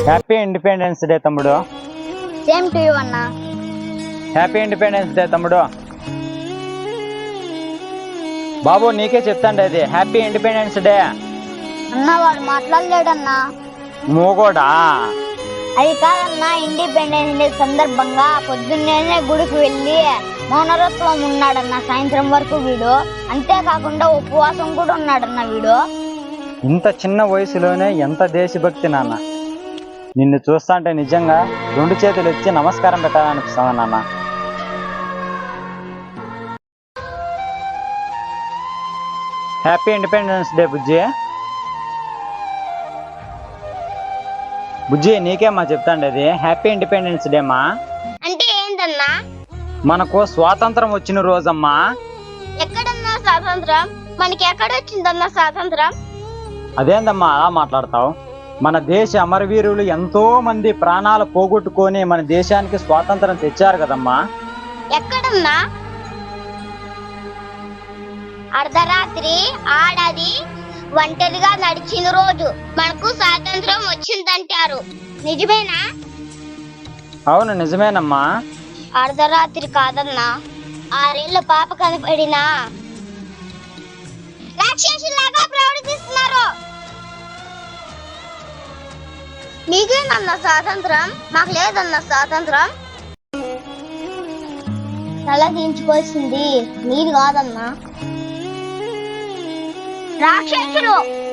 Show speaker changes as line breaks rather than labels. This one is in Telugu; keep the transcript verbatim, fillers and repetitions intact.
హ్యాపీ ఇండిపెండెన్స్ డే తమ్ముడు.
సేమ్ టు యు అన్న.
హ్యాపీ ఇండిపెండెన్స్ డే తమ్ముడు. బాబు నీకే చెప్తాండి అది హ్యాపీ ఇండిపెండెన్స్ డే
అన్న. వాడు మాట్లాడలేడన్నా.
మూగోడా?
అది కాదన్నా, ఇండిపెండెన్స్ డే సందర్భంగా పొద్దున్నే గుడికి వెళ్ళి మౌనరత్వం ఉన్నాడన్న సాయంత్రం వరకు వీడు. అంతేకాకుండా ఉపవాసం కూడా ఉన్నాడన్న వీడు.
ఇంత చిన్న వయసులోనే ఎంత దేశభక్తి నాన్న. నిన్ను చూస్తాంటే నిజంగా రెండు చేతులు ఇచ్చి నమస్కారం పెట్టాలనిపిస్తుంది నాన్న. హ్యాపీ ఇండిపెండెన్స్ డే బుజ్జి. బుజ్జి నీకేమ్మా చెప్తాండి అది హ్యాపీ ఇండిపెండెన్స్ డే మా.
అంటే ఏంటన్నా?
మనకు స్వాతంత్రం వచ్చిన రోజమ్మా.
ఎక్కడన్నా స్వాతంత్రం? మనకి ఎక్కడ వచ్చిందన్నా స్వాతంత్రం?
అదేందమ్మా అలా మాట్లాడతావు? మన దేశ అమరవీరులు ఎంతో మంది ప్రాణాలు పోగొట్టుకొని మన దేశానికి స్వాతంత్రం తెచ్చారు కదమ్మా.
ఎక్కడన్నా? అర్ధరాత్రి ఆడది ఒంటరిగా నడిచిన రోజు మనకు స్వాతంత్రం వచ్చిందంటారు. నిజమేనా?
అవును నిజమేనమ్మా.
అర్ధరాత్రి కాదన్నా, ఆరేళ్ల పాప కనపడినా రాక్షసులాగా ప్రవర్తిస్తున్నారు. మీకేనన్న స్వాతంత్రం? మాకు లేదన్న స్వాతంత్రం. తల దించుకోవాల్సింది మీరు కాదన్నా, రాక్షసులు.